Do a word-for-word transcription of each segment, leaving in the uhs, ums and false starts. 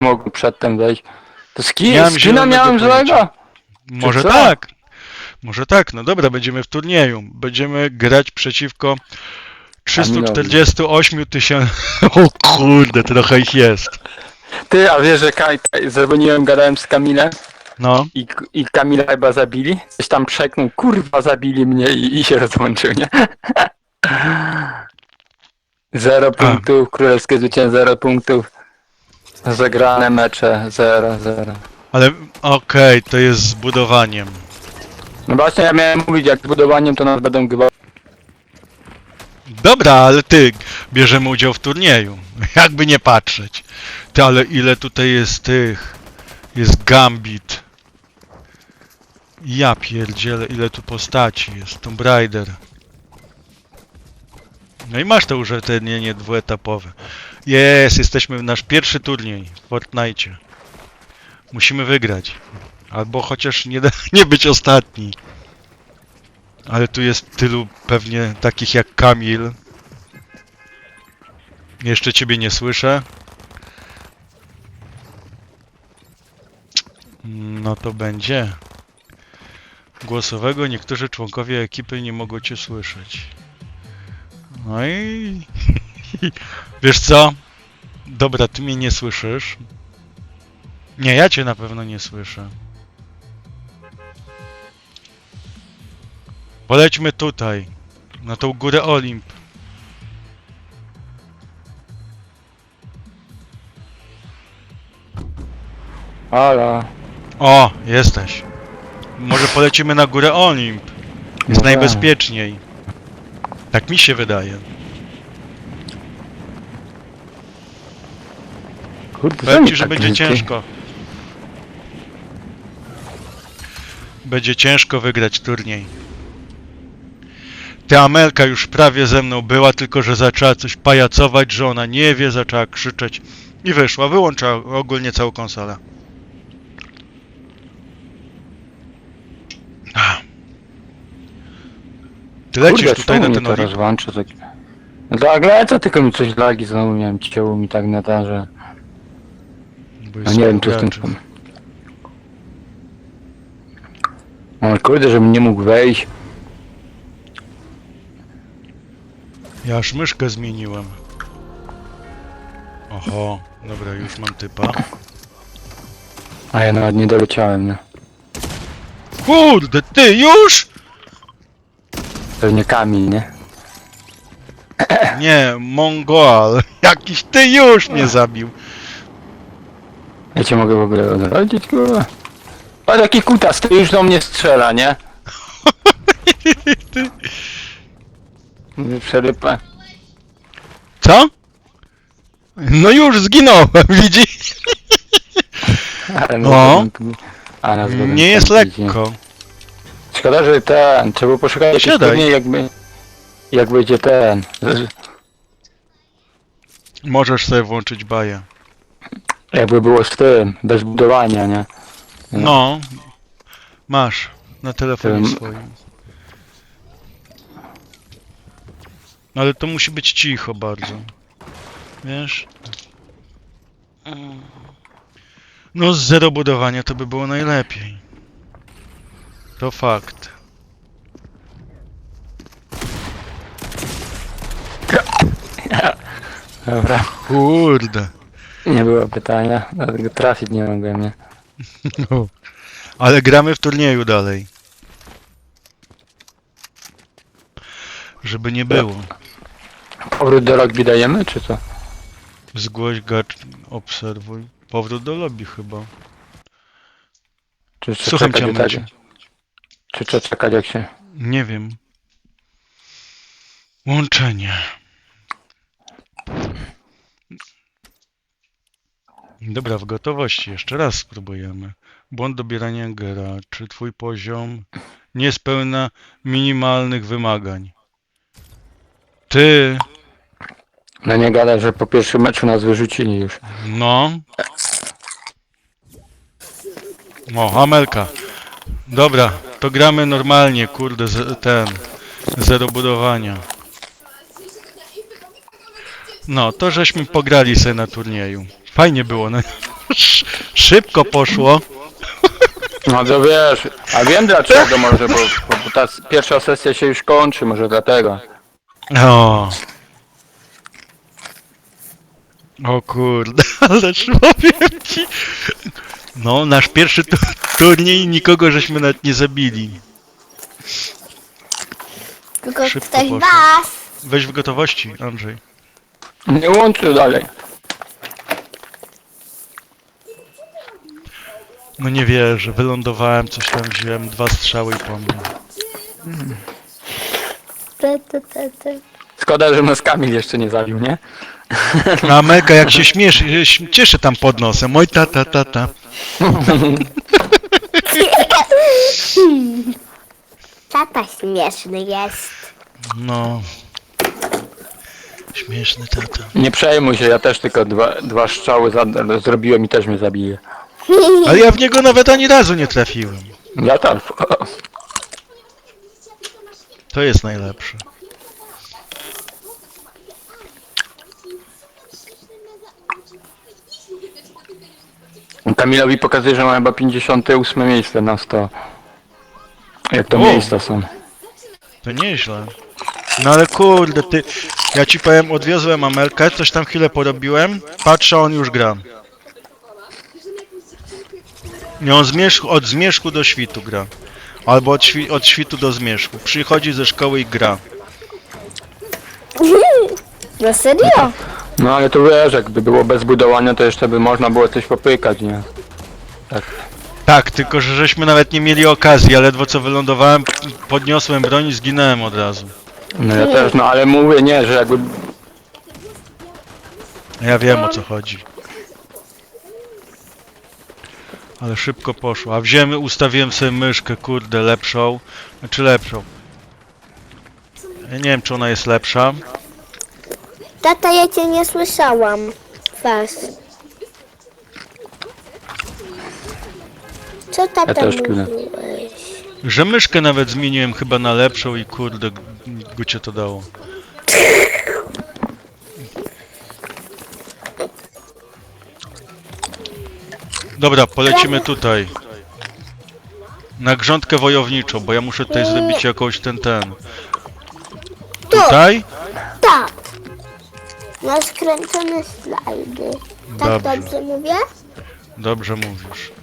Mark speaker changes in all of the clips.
Speaker 1: mogłem przedtem wejść. To ski,
Speaker 2: Nie mam
Speaker 1: skina
Speaker 2: zielonego
Speaker 1: miałem
Speaker 2: pojęcia.
Speaker 1: złego?
Speaker 2: Może
Speaker 1: co?
Speaker 2: tak. Może tak. No dobra, będziemy w turnieju. Będziemy grać przeciwko trzystu czterdziestu ośmiu tysiącom... O kurde, trochę ich jest.
Speaker 1: Ty, a wiesz, że Kaj, zadzwoniłem, gadałem z Kamilem
Speaker 2: No.
Speaker 1: i, i Kamila chyba zabili? Coś tam przeknął, kurwa zabili mnie i, i się rozłączył, nie? Zero punktów, królewskie zwycięstwo, zero punktów. Zagrane mecze, zero, zero.
Speaker 2: Ale okej, to jest z budowaniem.
Speaker 1: No właśnie ja miałem mówić, jak z budowaniem to nas będą chyba...
Speaker 2: Dobra, ale ty, bierzemy udział w turnieju. Jakby nie patrzeć. Ty, ale ile tutaj jest tych... Jest Gambit. Ja pierdzielę, ile tu postaci jest. Tomb Raider. No i masz to użytecznienie dwuetapowe. Jest, jesteśmy w nasz pierwszy turniej w Fortnite. Musimy wygrać. Albo chociaż nie, nie być ostatni. Ale tu jest tylu pewnie takich jak Kamil. Jeszcze ciebie nie słyszę. No to będzie. Głosowego niektórzy członkowie ekipy nie mogą cię słyszeć. No i... Wiesz co? Dobra, ty mnie nie słyszysz. Nie, ja cię na pewno nie słyszę. Polećmy tutaj. Na tą górę Olimp.
Speaker 1: Halo.
Speaker 2: O, jesteś. Może polecimy na górę Olimp. Jest
Speaker 1: No
Speaker 2: najbezpieczniej. Tak mi się wydaje.
Speaker 1: Kurde,
Speaker 2: Powiem ci,
Speaker 1: co
Speaker 2: że
Speaker 1: mi tak
Speaker 2: będzie
Speaker 1: leci?
Speaker 2: ciężko. Będzie ciężko wygrać turniej. Ta Amelka już prawie ze mną była, tylko że zaczęła coś pajacować, że ona nie wie, zaczęła krzyczeć i wyszła. Wyłączyła ogólnie całą konsolę. Ty lecisz
Speaker 1: Kurde,
Speaker 2: tutaj
Speaker 1: czemu
Speaker 2: na
Speaker 1: mnie
Speaker 2: ten
Speaker 1: to
Speaker 2: Olimp?
Speaker 1: rozłącza? Tak... No tak lecę, tylko mi coś lagi znowu miałem, cięło mi tak na to, że...
Speaker 2: Bo
Speaker 1: No
Speaker 2: jest
Speaker 1: nie wiem, czy w tym...
Speaker 2: graczy.
Speaker 1: No kurde, żebym nie mógł wejść.
Speaker 2: Ja aż myszkę zmieniłem. Oho, dobra, już mam typa.
Speaker 1: A ja nawet nie doleciałem, nie?
Speaker 2: Kurde, ty już?
Speaker 1: Pewnie Kamil, nie?
Speaker 2: Nie, Mongol. Jakiś ty już mnie zabił.
Speaker 1: Ja cię mogę w ogóle odrodzić, kurwa. A taki kutas, ty już do mnie strzela, nie? Mówię, przerypa.
Speaker 2: Co? No już zginąłem, widzisz?
Speaker 1: Ale
Speaker 2: No.
Speaker 1: A nas będą
Speaker 2: Nie jest
Speaker 1: kręcić, nie?
Speaker 2: lekko.
Speaker 1: Szkoda, że ten, trzeba poszukać jakiś
Speaker 2: Siadaj.
Speaker 1: turniej, jakby... Jak będzie ten...
Speaker 2: Możesz sobie włączyć baję.
Speaker 1: Jakby było z tym, bez budowania, nie?
Speaker 2: No. Masz. Na telefonie
Speaker 1: Tym-
Speaker 2: swoim. Ale to musi być cicho bardzo. Wiesz? No z zero budowania to by było najlepiej. To fakt.
Speaker 1: Dobra.
Speaker 2: Kurde.
Speaker 1: Nie było pytania, dlatego trafić nie mogłem, nie?
Speaker 2: No. Ale gramy w turnieju dalej. Żeby nie było.
Speaker 1: Powrót do rugby dajemy, czy co?
Speaker 2: Zgłoś gacz, obserwuj. Powrót do lobby chyba.
Speaker 1: Czy trzeba
Speaker 2: Słucham
Speaker 1: czekać
Speaker 2: cię,
Speaker 1: jak tak?
Speaker 2: Amelciu.
Speaker 1: Czy trzeba czekać jak się...
Speaker 2: Nie wiem. Łączenie. Dobra, w gotowości. Jeszcze raz spróbujemy. Błąd dobierania graczy. Twój poziom nie spełnia minimalnych wymagań. Ty.
Speaker 1: No nie gada, że po pierwszym meczu nas wyrzucili już.
Speaker 2: No. O, Amelka. Dobra, to gramy normalnie, kurde, z, ten. Zero budowania. No, to żeśmy pograli sobie na turnieju. Fajnie było, no. Sz- Szybko poszło.
Speaker 1: No to wiesz, a wiem dlaczego może, bo, bo, bo ta s- pierwsza sesja się już kończy, może dlatego.
Speaker 2: O. O kurde, ależ powiem ci. No, nasz pierwszy tu turniej nikogo żeśmy nawet nie zabili.
Speaker 3: Tylko
Speaker 2: Szybko
Speaker 3: ktoś
Speaker 2: poszło.
Speaker 3: was.
Speaker 2: Weź w gotowości, Andrzej.
Speaker 1: Nie łączę dalej.
Speaker 2: No nie wierzę, wylądowałem, coś tam wziąłem, dwa strzały i po mnie.
Speaker 3: Te, te, te, te.
Speaker 1: Szkoda, że nas Kamil jeszcze nie zabił, nie?
Speaker 2: A Amelka jak się śmiesz, ś- cieszy tam pod nosem. Oj tata, tata.
Speaker 3: Tata śmieszny jest.
Speaker 2: No. Śmieszny tata.
Speaker 1: Nie przejmuj się, ja też tylko dwa, dwa strzały za, zrobiłem i też mnie zabije.
Speaker 2: Ale ja w niego nawet ani razu nie trafiłem.
Speaker 1: Ja tam.
Speaker 2: To jest najlepsze.
Speaker 1: Kamilowi pokazuje, że ma chyba pięćdziesiąte ósme miejsce na sto. Jak to
Speaker 2: O.
Speaker 1: miejsca są.
Speaker 2: To nieźle. No ale kurde, ty... Ja ci powiem, odwiozłem Amelkę, coś tam chwilę porobiłem, patrzę, on już gra. Nie, on zmierzchu, od zmierzchu do świtu gra. Albo od, świ, od świtu do zmierzchu. Przychodzi ze szkoły i gra.
Speaker 3: No serio?
Speaker 1: No ale to wiesz, jakby było bez budowania, to jeszcze by można było coś popykać, nie? Tak.
Speaker 2: Tak, tylko że żeśmy nawet nie mieli okazji, a ledwo co wylądowałem, podniosłem broń i zginąłem od razu.
Speaker 1: No ja też, no ale mówię, nie, że jakby...
Speaker 2: Ja wiem o co chodzi. Ale szybko poszło. A wziąłem, ustawiłem sobie myszkę, kurde, lepszą. Znaczy lepszą. Ja nie wiem, czy ona jest lepsza.
Speaker 3: Tata, ja cię nie słyszałam. Was. Co tata
Speaker 1: Ja też tyle.
Speaker 3: mówiłeś?
Speaker 2: Że myszkę nawet zmieniłem chyba na lepszą i kurde, g- gucie to dało. Dobra, polecimy tutaj. Na grządkę wojowniczą, bo ja muszę tutaj zrobić jakąś ten, ten. Tutaj?
Speaker 3: Tak. Na skręcone slajdy. Tak
Speaker 2: Dobrze.
Speaker 3: dobrze mówię?
Speaker 2: Dobrze mówisz.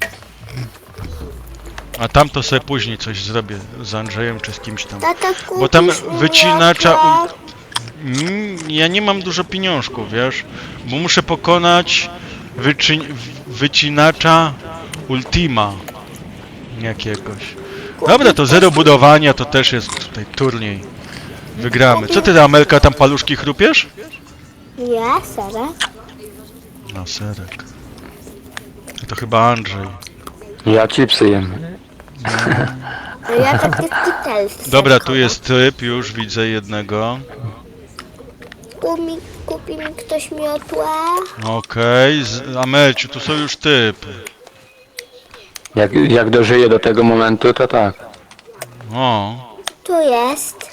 Speaker 2: A tam to sobie później coś zrobię z Andrzejem czy z kimś tam.
Speaker 3: Tata,
Speaker 2: Bo tam
Speaker 3: kupisz mi
Speaker 2: wycinacza...
Speaker 3: miotłę?
Speaker 2: Mm, ja nie mam dużo pieniążków, wiesz? Bo muszę pokonać wyczy... wycinacza Ultima jakiegoś. Dobra, to zero budowania, to też jest tutaj turniej. Wygramy. Co ty, Amelka, tam paluszki chrupiesz?
Speaker 3: Ja, Sara.
Speaker 2: No, serek. To chyba Andrzej.
Speaker 1: Ja chipsy jem.
Speaker 3: No ja takie skitelsy.
Speaker 2: Dobra, tu jest typ, już widzę jednego.
Speaker 3: Kupi, kupi mi ktoś miotłę?
Speaker 2: Okej, z Amelciu, tu są już typy.
Speaker 1: Jak, jak dożyję do tego momentu, to tak.
Speaker 2: O,
Speaker 3: Tu jest.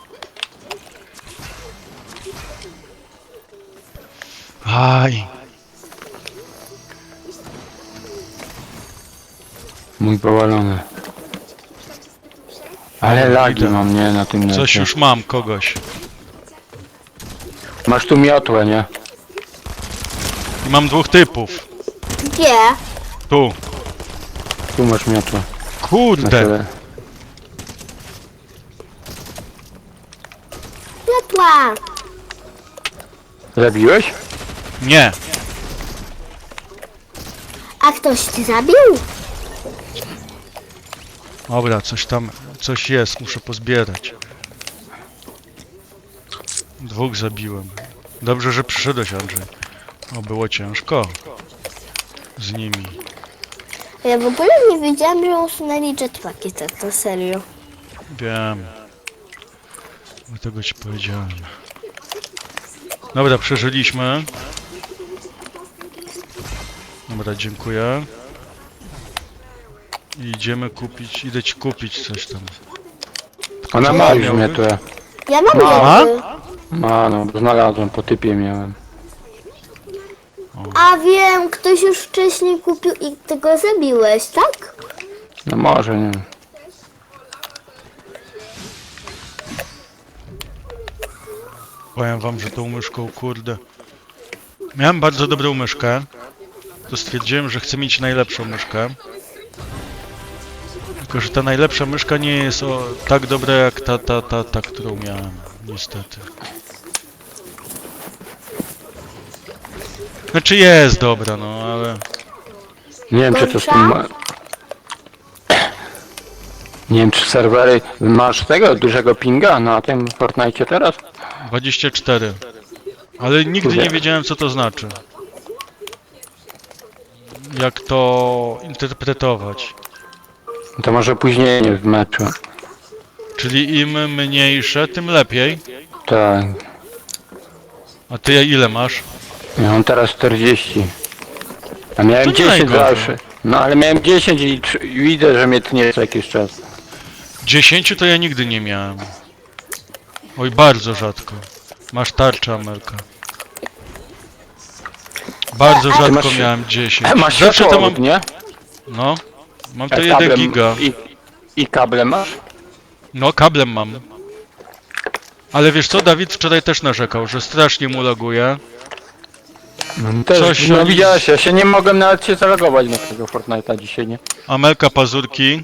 Speaker 2: aj.
Speaker 1: Mój powalony. Ale lagi
Speaker 2: Idę.
Speaker 1: mam, nie, na tym necie.
Speaker 2: Coś już mam, kogoś.
Speaker 1: Masz tu miotłę, nie?
Speaker 2: I mam dwóch typów.
Speaker 3: Gdzie?
Speaker 2: Tu.
Speaker 1: Tu masz miotłę. Na
Speaker 2: Kurde.
Speaker 1: tyle.
Speaker 3: Miotła.
Speaker 1: Zabiłeś?
Speaker 2: Nie.
Speaker 3: A ktoś ci zabił?
Speaker 2: Dobra, coś tam, coś jest, muszę pozbierać. Dwóch zabiłem. Dobrze, że przyszedłeś, Andrzej. O, było ciężko. Z nimi.
Speaker 3: Ja w ogóle nie wiedziałam, że usunęli jetpacki, tak to serio.
Speaker 2: Wiem. Dlatego ci powiedziałem. Dobra, przeżyliśmy. Dobra, dziękuję. I idziemy kupić, idę ci kupić coś tam.
Speaker 1: Ona ma już miotłę.
Speaker 3: Ja mam
Speaker 1: Ma?
Speaker 3: mioty.
Speaker 1: Ma, no, bo znalazłem, po typie miałem.
Speaker 3: A wiem, ktoś już wcześniej kupił i ty go zabiłeś, tak?
Speaker 1: No może, nie wiem.
Speaker 2: Powiem wam, że tą myszką, kurde... Miałem bardzo dobrą myszkę. To stwierdziłem, że chcę mieć najlepszą myszkę. Tylko, że ta najlepsza myszka nie jest o, tak dobra jak ta, ta, ta, ta, którą miałem. Niestety. Znaczy jest dobra, no ale...
Speaker 1: Nie wiem, czy to z
Speaker 3: Gorsza?
Speaker 1: tym... ma- Nie wiem, czy serwery... Masz tego dużego pinga na tym Fortnite teraz?
Speaker 2: dwadzieścia cztery. Ale nigdy nie wiedziałem, co to znaczy. Jak to interpretować.
Speaker 1: To może później nie w meczu.
Speaker 2: Czyli im mniejsze, tym lepiej.
Speaker 1: Tak.
Speaker 2: A ty ile masz?
Speaker 1: Ja mam teraz czterdzieści. A miałem
Speaker 2: To nie
Speaker 1: dziesięć
Speaker 2: najgorzej.
Speaker 1: zawsze. No ale miałem dziesięć i tr- i widzę, że mnie tnie co jakiś czas.
Speaker 2: dziesięć to ja nigdy nie miałem. Oj, bardzo rzadko. Masz tarczę, Amelka. Bardzo
Speaker 1: ty
Speaker 2: rzadko
Speaker 1: masz-
Speaker 2: miałem dziesięć.
Speaker 1: Masz
Speaker 2: Zawsze to mam...
Speaker 1: światłowód, nie?
Speaker 2: No. Mam to
Speaker 1: A
Speaker 2: jeden
Speaker 1: kablem-
Speaker 2: giga.
Speaker 1: I, I kable masz?
Speaker 2: No, kablem mam. Ale wiesz co, Dawid wczoraj też narzekał, że strasznie mu laguje.
Speaker 1: No, też,
Speaker 2: Coś
Speaker 1: no
Speaker 2: oni-
Speaker 1: widziałeś, ja się nie mogłem nawet się zalogować na tego Fortnite'a dzisiaj, nie?
Speaker 2: Amelka pazurki.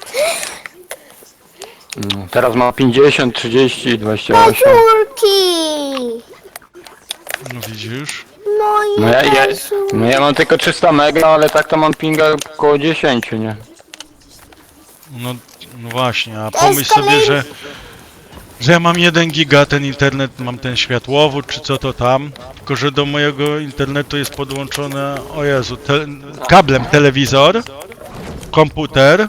Speaker 1: No, teraz mam pięćdziesiąt, trzydzieści, dwadzieścia osiem.
Speaker 3: Pazurki!
Speaker 2: No widzisz?
Speaker 3: Moje
Speaker 1: No ja, ja,
Speaker 3: pazurki.
Speaker 1: no ja mam tylko trzysta mega, ale tak to mam pinga około dziesięć, nie?
Speaker 2: No, no właśnie, a
Speaker 3: To
Speaker 2: pomyśl
Speaker 3: jest
Speaker 2: sobie,
Speaker 3: kolejny-
Speaker 2: że... Że ja mam jeden giga, ten internet, mam ten światłowód, czy co to tam. Tylko, że do mojego internetu jest podłączone, o Jezu, te, kablem telewizor, komputer.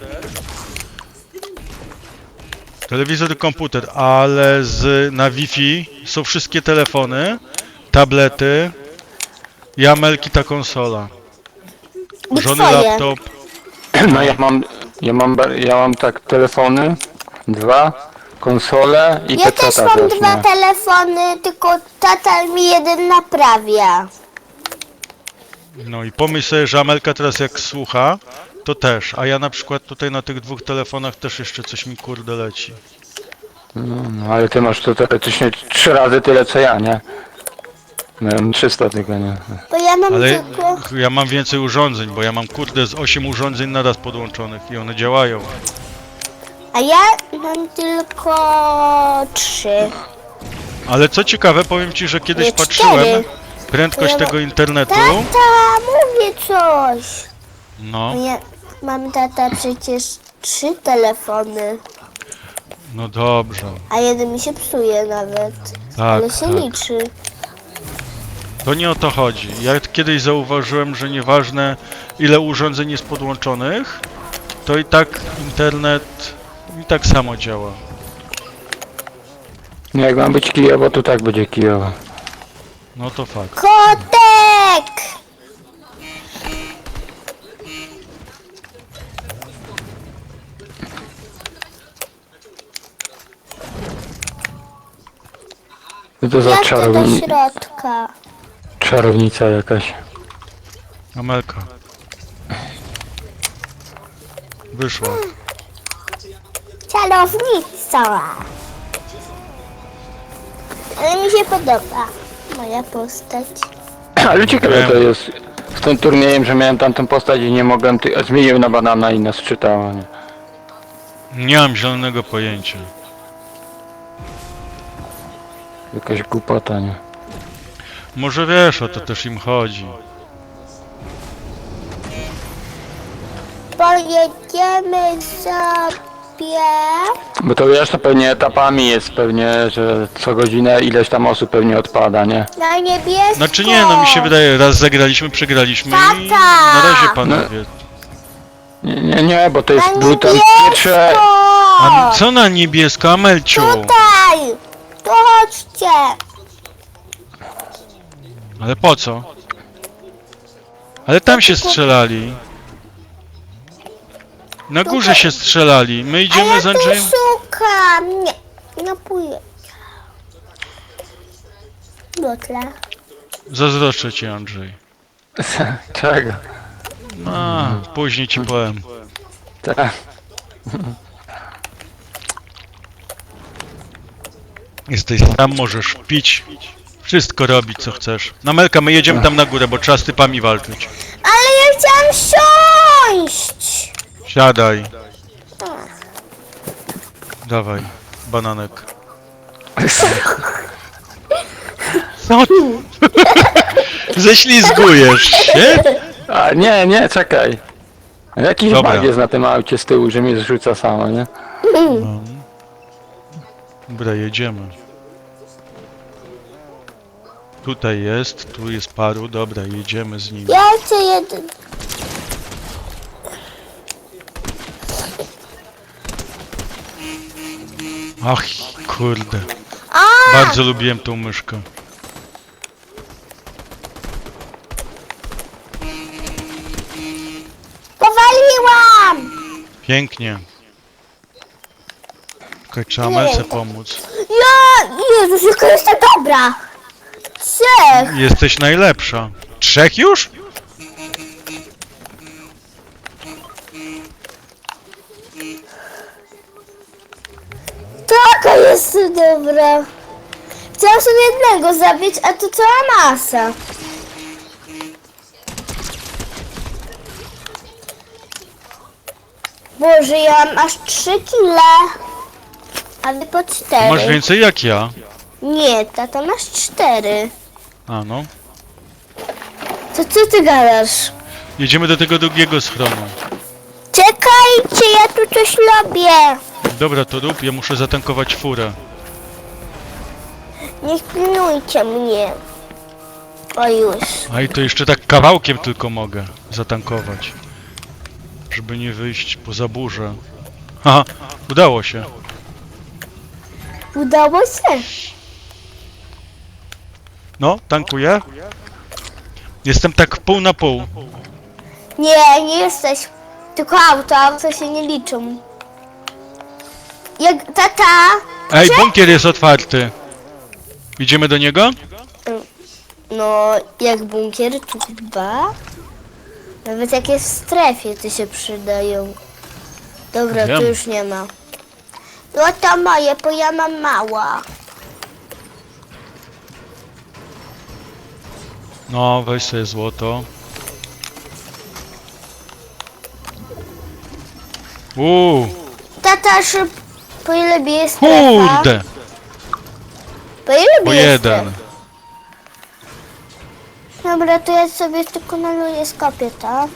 Speaker 2: Telewizor i komputer, ale z, na Wi-Fi są wszystkie telefony, tablety i Amelki ta konsola.
Speaker 3: I
Speaker 2: Żony
Speaker 3: twoje.
Speaker 2: laptop.
Speaker 1: No ja mam, ja mam, ba- ja mam tak telefony, dwa, konsole i
Speaker 3: Ja też
Speaker 1: peceta
Speaker 3: mam
Speaker 1: też,
Speaker 3: dwa
Speaker 1: nie?
Speaker 3: telefony, tylko tata mi jeden naprawia.
Speaker 2: No i pomyśl sobie, że Amelka teraz jak słucha, to też, a ja na przykład tutaj na tych dwóch telefonach też jeszcze coś mi kurde leci.
Speaker 1: No, no ale ty masz to teoretycznie trzy razy tyle co ja, nie? No ja mam trzysta tylko, nie?
Speaker 3: Bo ja mam
Speaker 2: Ale
Speaker 3: tylko...
Speaker 2: ja mam więcej urządzeń, bo ja mam kurde z osiem urządzeń naraz podłączonych i one działają.
Speaker 3: A ja mam tylko trzy.
Speaker 2: Ale co ciekawe, powiem ci, że kiedyś
Speaker 3: Nie,
Speaker 2: patrzyłem
Speaker 3: cztery.
Speaker 2: prędkość
Speaker 3: Ja ma-
Speaker 2: tego internetu.
Speaker 3: Tata, mówię coś.
Speaker 2: No,
Speaker 3: Bo ja mam tata przecież trzy telefony,
Speaker 2: no dobrze.
Speaker 3: a jeden mi się psuje nawet.
Speaker 2: Tak,
Speaker 3: Ale się
Speaker 2: tak.
Speaker 3: liczy.
Speaker 2: To nie o to chodzi. Ja kiedyś zauważyłem, że nieważne ile urządzeń jest podłączonych, to i tak internet i tak samo działa.
Speaker 1: No jak ma być kijowo, to tak będzie kijowo.
Speaker 2: No to fakt.
Speaker 3: Kotek!
Speaker 1: Co to za
Speaker 3: Jak to do
Speaker 1: czarowni...
Speaker 3: środka?
Speaker 1: czarownica jakaś?
Speaker 2: Amelka. Wyszła.
Speaker 3: Czarownica. Ale mi się podoba moja postać.
Speaker 1: Ale ciekawe
Speaker 2: Wiem.
Speaker 1: to jest z tym turniejem, że miałem tamtą postać i nie mogłem... Ty... Zmieniłem na banana i nas czytała, nie?
Speaker 2: Nie mam zielonego pojęcia.
Speaker 1: Jakaś głupota, nie?
Speaker 2: Może wiesz, o to też im chodzi.
Speaker 3: Pojedziemy sobie.
Speaker 1: Bo to wiesz, to pewnie etapami jest pewnie, że co godzinę ileś tam osób pewnie odpada, nie?
Speaker 3: Na niebiesko.
Speaker 2: Znaczy nie, no mi się wydaje, raz zagraliśmy, przegraliśmy i
Speaker 3: Tata!
Speaker 2: na razie panowie.
Speaker 1: Nie, nie, nie, bo to jest...
Speaker 3: Na
Speaker 1: Był tam pierwsze...
Speaker 3: niebiesko.
Speaker 2: A co na niebiesko, Amelciu?
Speaker 3: Tutaj. Tu chodźcie.
Speaker 2: Ale po co? Ale tam się strzelali. Na górze się strzelali. My
Speaker 3: A
Speaker 2: idziemy
Speaker 3: ja
Speaker 2: z
Speaker 3: tu
Speaker 2: Andrzejem.
Speaker 3: szukam. Nie, no pójdę. Dotle.
Speaker 2: Zazdroszczę ci, Andrzej.
Speaker 1: Czego?
Speaker 2: A, później ci powiem.
Speaker 1: Tak.
Speaker 2: Jesteś tam, możesz pić. Wszystko robić, co chcesz. Na Melka, my jedziemy tam na górę, bo trzeba z typami walczyć.
Speaker 3: Ale ja chciałam siąść!
Speaker 2: Siadaj. Dawaj, bananek. Co ty? Ześlizgujesz się?
Speaker 1: A, nie, nie, czekaj. Jakiś
Speaker 2: Dobra.
Speaker 1: bug jest na tym aucie z tyłu, że mnie zrzuca samo, nie?
Speaker 2: No. Dobra, jedziemy. Tutaj jest, tu jest paru, dobra, jedziemy z nimi.
Speaker 3: Ja chcę jeden.
Speaker 2: Ach, kurde.
Speaker 3: A!
Speaker 2: Bardzo lubiłem tą myszkę.
Speaker 3: Powaliłam!
Speaker 2: Pięknie. Czekaj, trzeba Melce pomóc.
Speaker 3: Ja! Jezus, jaka jest ta dobra! Trzech!
Speaker 2: Jesteś najlepsza. Trzech już?
Speaker 3: Taka jest dobra. Chciałam sobie jednego zabić, a tu cała masa. Boże, ja mam aż trzy kile. A wy po cztery.
Speaker 2: Masz więcej jak ja.
Speaker 3: Nie, tata, masz cztery.
Speaker 2: A no.
Speaker 3: To co ty gadasz?
Speaker 2: Jedziemy do tego drugiego schronu.
Speaker 3: Czekajcie, ja tu coś robię.
Speaker 2: Dobra, to rób, ja muszę zatankować furę.
Speaker 3: Nie pilnujcie mnie. O już.
Speaker 2: A i to jeszcze tak kawałkiem tylko mogę zatankować. Żeby nie wyjść poza burzę. Haha, udało się.
Speaker 3: Udało się.
Speaker 2: No, tankuję. Jestem tak pół na pół.
Speaker 3: Nie, nie jesteś. Tylko auto, auto się nie liczą. Jak tata.
Speaker 2: Ej, bunkier jest otwarty. Idziemy do niego?
Speaker 3: No, jak bunkier, tu chyba. Nawet jak jest w strefie, to się przydają. Dobra,
Speaker 2: Wiem.
Speaker 3: tu już nie ma. No to moje, bo ja mam mała.
Speaker 2: No, weź sobie złoto. Uuu,
Speaker 3: Tata, szyb... Po ile bije strefa?
Speaker 2: kurde,
Speaker 3: Po ile
Speaker 2: po
Speaker 3: bije
Speaker 2: jeden.
Speaker 3: strefa? Dobra, to ja sobie tylko naluję z kopieta.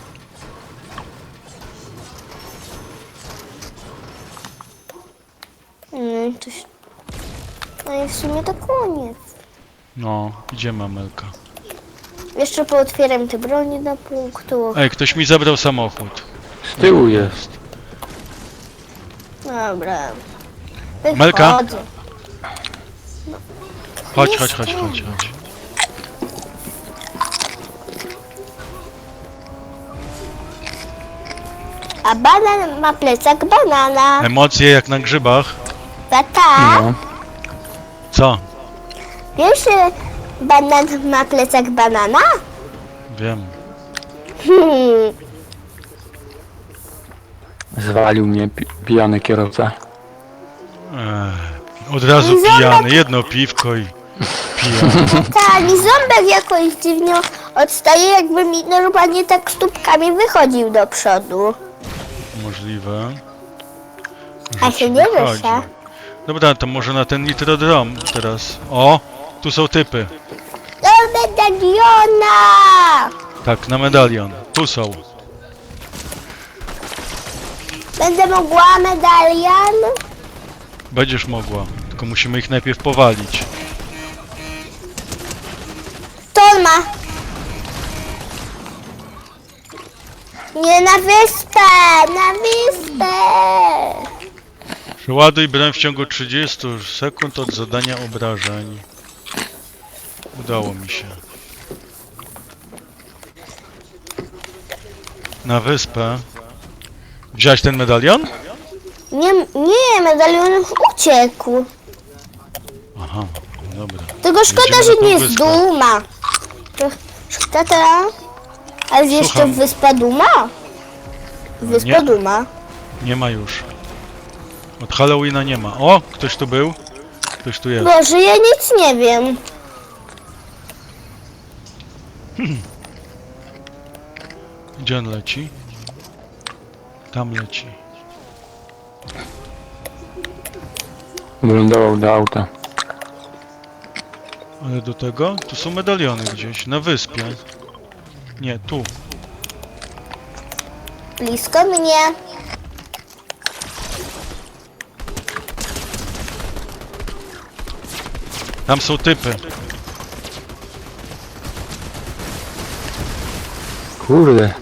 Speaker 3: No, to się... no i w sumie to koniec.
Speaker 2: No, idziemy, Amelka.
Speaker 3: Jeszcze pootwieram te broni do punktu.
Speaker 2: Ej, ktoś mi zabrał samochód.
Speaker 1: Z tyłu jest.
Speaker 3: Dobra.
Speaker 2: Melka?
Speaker 3: Wychodzę.
Speaker 2: Chodź, chodź, chodź, chodź, chodź.
Speaker 3: A banan ma plecak banana.
Speaker 2: Emocje jak na grzybach.
Speaker 3: Tata,
Speaker 1: No.
Speaker 2: Co?
Speaker 3: wiesz, że banan ma plecak banana?
Speaker 2: Wiem.
Speaker 3: Hmm.
Speaker 1: Zwalił mnie pi pijany kierowca.
Speaker 2: Ech, od razu
Speaker 3: Ząbek.
Speaker 2: pijany, jedno piwko i pijany.
Speaker 3: Tata, mi ząbek jakoś dziwnie odstaje, jakby mi normalnie tak stópkami wychodził do przodu.
Speaker 2: Możliwe.
Speaker 3: A
Speaker 2: że
Speaker 3: się
Speaker 2: ci
Speaker 3: nie
Speaker 2: wychodzi.
Speaker 3: rusza.
Speaker 2: Dobra, to może na ten nitrodrom teraz. O, tu są typy.
Speaker 3: Do medaliona!
Speaker 2: Tak, na medalion. Tu są.
Speaker 3: Będę mogła medalion?
Speaker 2: Będziesz mogła. Tylko musimy ich najpierw powalić.
Speaker 3: To on ma. Nie na wyspę, na wyspę.
Speaker 2: Przeładuj broń w ciągu trzydziestu sekund od zadania obrażeń. Udało mi się. Na wyspę. Wziąłeś ten medalion?
Speaker 3: Nie, nie, medalion już uciekł.
Speaker 2: Aha, dobra.
Speaker 3: Tylko szkoda,
Speaker 2: Jedziemy
Speaker 3: że
Speaker 2: na tą
Speaker 3: nie
Speaker 2: wyspę.
Speaker 3: zduma. To- Tata, A jest jeszcze
Speaker 2: Słucham.
Speaker 3: Wyspa Duma? Wyspa
Speaker 2: Nie.
Speaker 3: Duma.
Speaker 2: Nie ma już. Od Halloweena nie ma. O, ktoś tu był? Ktoś tu jest.
Speaker 3: Boże, ja nic nie wiem.
Speaker 2: Gdzie on leci? Tam leci.
Speaker 1: Wylądował do auta.
Speaker 2: Ale do tego? Tu są medaliony gdzieś, na wyspie. Nie, tu.
Speaker 3: Blisko mnie.
Speaker 2: Tam są typy.
Speaker 1: Kurde.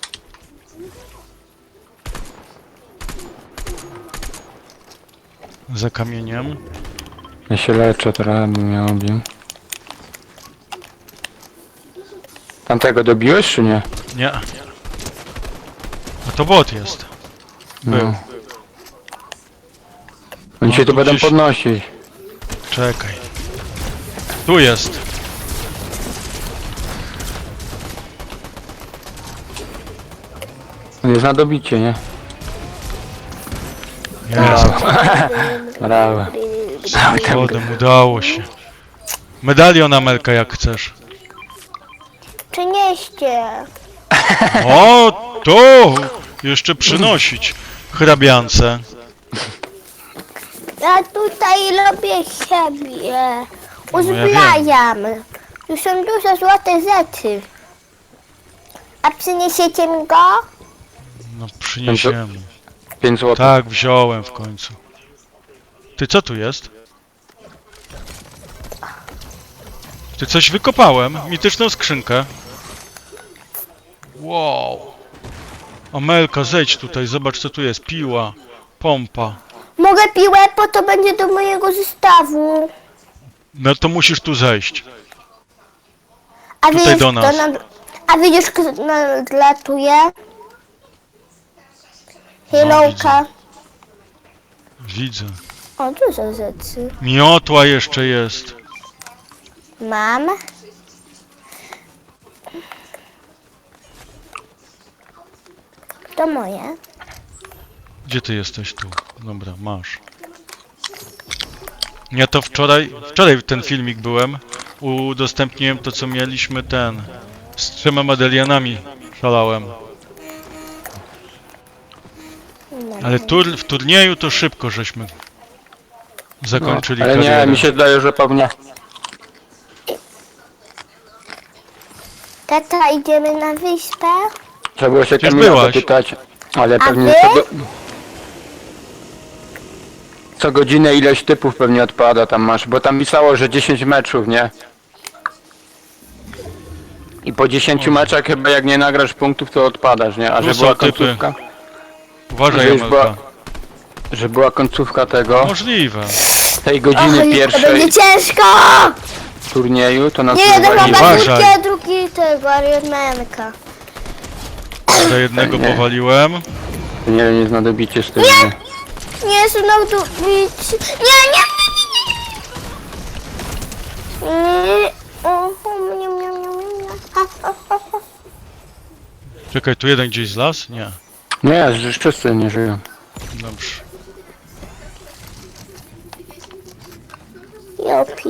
Speaker 2: Za kamieniem.
Speaker 1: Ja się leczę, trochę bym miał obił. Tamtego dobiłeś czy nie?
Speaker 2: Nie. A to bot jest. Był.
Speaker 1: No. Oni
Speaker 2: No,
Speaker 1: się tu
Speaker 2: tu
Speaker 1: będą
Speaker 2: gdzieś-
Speaker 1: podnosić.
Speaker 2: Czekaj. Tu jest.
Speaker 1: On jest na dobicie, nie?
Speaker 2: Jest.
Speaker 1: Brawo.
Speaker 2: Potem udało się. Medalion Amelka jak chcesz.
Speaker 3: Przynieście.
Speaker 2: O, to! Jeszcze przynosić hrabiance.
Speaker 3: Ja tutaj robię siebie.
Speaker 2: No ja
Speaker 3: Uzbrajam. Tu są duże złote rzeczy. A przyniesiecie mi go?
Speaker 2: No przyniesiemy.
Speaker 1: pięć złotych.
Speaker 2: Tak, wziąłem w końcu. Ty, co tu jest? Ty, coś wykopałem. Mityczną skrzynkę. Wow. Amelka, zejdź tutaj, zobacz co tu jest. Piła, pompa.
Speaker 3: Mogę piłę, bo to będzie do mojego zestawu.
Speaker 2: No to musisz tu zejść.
Speaker 3: A
Speaker 2: Tutaj
Speaker 3: wiesz,
Speaker 2: do nas.
Speaker 3: kto nad... A widzisz, kto nadlatuje? Hilowka.
Speaker 2: Widzę.
Speaker 3: O, dużo rzeczy.
Speaker 2: Miotła jeszcze jest.
Speaker 3: Mam. To moje.
Speaker 2: Gdzie ty jesteś tu? Dobra, masz. Ja to wczoraj, wczoraj ten filmik byłem. Udostępniłem to co mieliśmy ten. Z trzema medalionami szalałem. Ale tur, w turnieju to szybko żeśmy zakończyli
Speaker 1: Ale nie,
Speaker 2: karierę.
Speaker 1: mi się zdaje, że pewnie.
Speaker 3: Tata, idziemy na wyspę?
Speaker 1: Trzeba było się
Speaker 2: Gdzieś
Speaker 1: Kamila
Speaker 2: byłaś.
Speaker 1: zapytać. Ale
Speaker 3: A
Speaker 1: pewnie
Speaker 3: wy?
Speaker 1: co, go... co godzinę ileś typów pewnie odpada tam masz, bo tam pisało, że dziesięć meczów, nie? I po dziesięciu meczach chyba jak nie nagrasz punktów, to odpadasz, nie? A
Speaker 2: Tu
Speaker 1: że
Speaker 2: są
Speaker 1: była
Speaker 2: typy.
Speaker 1: końcówka,
Speaker 2: Uważaj,
Speaker 1: że już
Speaker 2: Amelka.
Speaker 1: była, że była końcówka tego,
Speaker 2: Możliwe.
Speaker 1: tej godziny
Speaker 3: Oj, to
Speaker 1: pierwszej
Speaker 3: będzie ciężko!
Speaker 1: turnieju, to nas
Speaker 3: Nie, jeden
Speaker 1: wywalili.
Speaker 3: ma
Speaker 2: Uważaj.
Speaker 3: bazurkę, a drugi tego, Ariadmenka.
Speaker 2: Do jednego
Speaker 1: Nie.
Speaker 2: powaliłem.
Speaker 1: Nie wiem, jest na dobicie z tym, nie?
Speaker 3: Nie, znowu tu bić. Nie, nie, nie, nie, nie. Nie. Oho, mnie, mnie, mnie, mnie. Ha, ha, ha, ha.
Speaker 2: Czekaj, tu jeden gdzieś zlas? Nie.
Speaker 1: Nie, że wszyscy nie żyją.
Speaker 2: Dobrze.
Speaker 3: Jopi.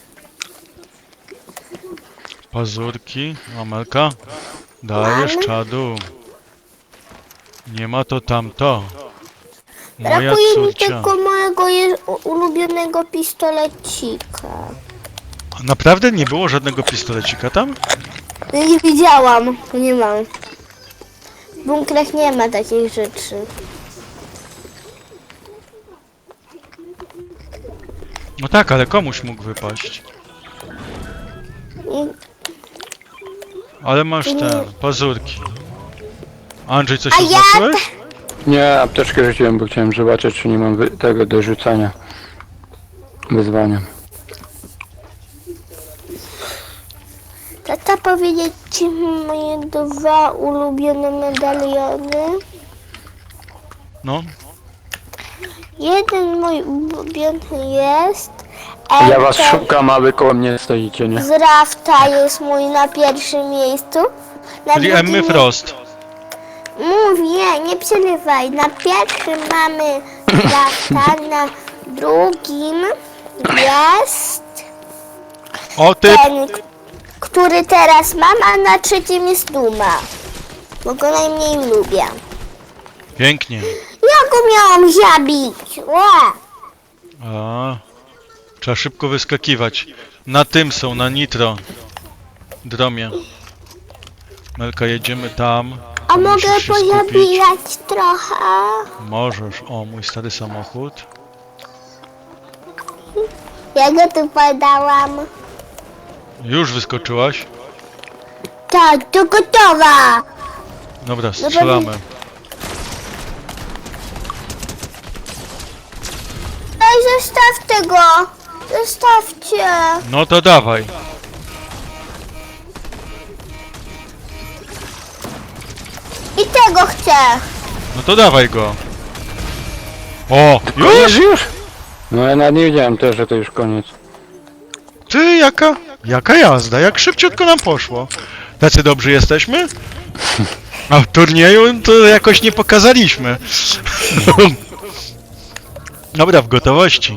Speaker 2: Pazurki. Amelka. Dajesz
Speaker 3: Mam.
Speaker 2: czadu. Nie ma to tamto. Moja
Speaker 3: Brakuje mi
Speaker 2: córcia.
Speaker 3: tylko mojego je- u- ulubionego pistolecika.
Speaker 2: Naprawdę nie było żadnego pistolecika tam?
Speaker 3: Nie widziałam, nie mam. W bunkrach nie ma takich rzeczy.
Speaker 2: No tak, ale komuś mógł wypaść.
Speaker 3: I
Speaker 2: Ale masz te pazurki. Andrzej, coś
Speaker 3: A
Speaker 2: tu
Speaker 3: ja
Speaker 2: znaczyłeś?
Speaker 1: Nie, apteczkę rzuciłem, bo chciałem zobaczyć, czy nie mam wy- tego do rzucania. Wyzwania.
Speaker 3: Tata, powiedzieć ci moje dwa ulubione medaliony.
Speaker 2: No.
Speaker 3: Jeden mój ulubiony jest.
Speaker 1: Ja was
Speaker 3: Enter
Speaker 1: szukam, a wy koło mnie stoicie, nie?
Speaker 3: z Rafta jest mój na pierwszym miejscu. Na
Speaker 2: Czyli
Speaker 3: drugim
Speaker 2: Emmy
Speaker 3: jest-
Speaker 2: Frost.
Speaker 3: Mówię, nie przerywaj. Na pierwszym mamy Krafta, na drugim jest
Speaker 2: O ty!
Speaker 3: ten, k- który teraz mam, a na trzecim jest Duma. Bo go najmniej lubię.
Speaker 2: Pięknie.
Speaker 3: Ja go miałam zabić. Ła!
Speaker 2: A, trzeba szybko wyskakiwać. Na tym są, na nitro. Dromie. Melka, jedziemy tam.
Speaker 3: A
Speaker 2: Musisz
Speaker 3: mogę
Speaker 2: się skupić.
Speaker 3: pozabijać trochę?
Speaker 2: Możesz. O, mój stary samochód.
Speaker 3: Ja go tu podałam.
Speaker 2: Już wyskoczyłaś?
Speaker 3: Tak, to gotowa.
Speaker 2: Dobra, strzelamy.
Speaker 3: Ej, zostawcie go. Zostawcie.
Speaker 2: No to dawaj.
Speaker 3: I tego chcę.
Speaker 2: No to dawaj go. O,
Speaker 1: Koniec
Speaker 2: już?
Speaker 1: już? No ja nawet nie wiedziałem też, że to już koniec.
Speaker 2: Ty, jaka, jaka jazda, jak szybciutko nam poszło. Tacy dobrzy jesteśmy? A w turnieju to jakoś nie pokazaliśmy. Dobra, w gotowości.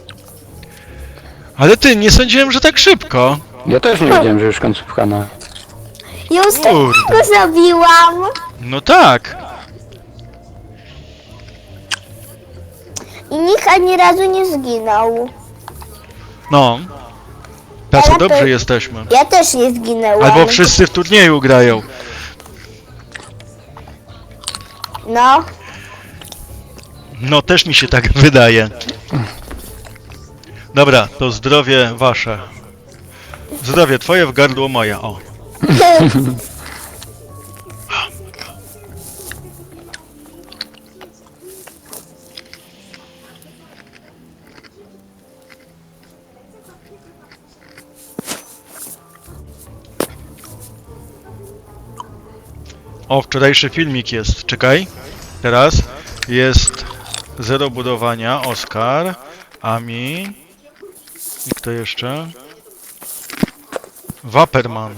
Speaker 2: Ale ty, nie sądziłem, że tak szybko.
Speaker 1: Ja też nie wiedziałem, że już końcówka na...
Speaker 3: Już
Speaker 2: Kurde.
Speaker 3: tego zrobiłam.
Speaker 2: No tak.
Speaker 3: I nikt ani razu nie zginął.
Speaker 2: No. Tacy
Speaker 3: Ale to-
Speaker 2: dobrzy jesteśmy.
Speaker 3: Ja też nie zginęłam.
Speaker 2: Albo wszyscy w turnieju grają.
Speaker 3: No.
Speaker 2: No też mi się tak wydaje. Dobra, to zdrowie wasze. Zdrowie twoje w gardło moje, o. O, wczorajszy filmik jest, czekaj. Teraz jest zero budowania, Oskar, Ami i kto jeszcze? Waperman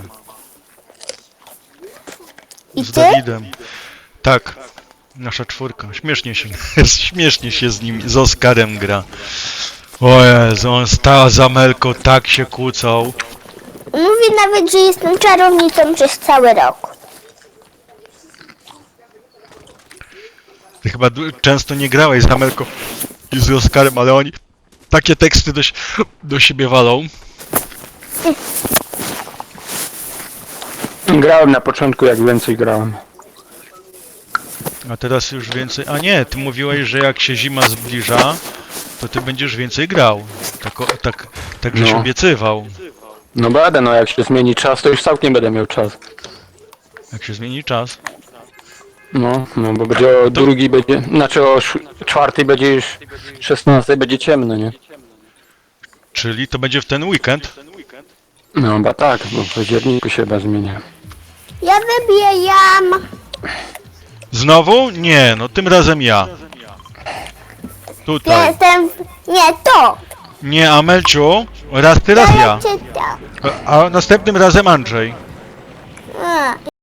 Speaker 3: I
Speaker 2: z
Speaker 3: ty?
Speaker 2: Dawidem. Tak, nasza czwórka. Śmiesznie się, śmiesznie się z nim, z Oskarem gra. O Jezu, on stał za Melką, tak się kłócał.
Speaker 3: Mówi nawet, że jestem czarownicą przez cały rok.
Speaker 2: Ty chyba du- często nie grałeś z Amelką i z Oskarem, ale oni takie teksty do, si- do siebie walą.
Speaker 1: Grałem na początku, jak więcej grałem.
Speaker 2: A teraz już więcej... A nie, ty mówiłeś, że jak się zima zbliża, to ty będziesz więcej grał. Tak, o- tak, tak żeś
Speaker 1: No.
Speaker 2: obiecywał.
Speaker 1: No będę, no jak się zmieni czas, to już całkiem będę miał czas.
Speaker 2: Jak się zmieni czas.
Speaker 1: No, no bo będzie o drugi będzie, znaczy o sz- czwartej będzie już szesnastej będzie ciemno, nie?
Speaker 2: Czyli to będzie w ten weekend.
Speaker 1: No chyba tak, bo w październiku się chyba zmienia.
Speaker 3: Ja wybijam.
Speaker 2: Znowu? Nie, no tym razem ja. Tutaj.
Speaker 3: Jestem... Nie, to.
Speaker 2: Nie, Amelciu, raz ty, raz ja.
Speaker 3: Czytam.
Speaker 2: A a następnym razem Andrzej.
Speaker 3: A,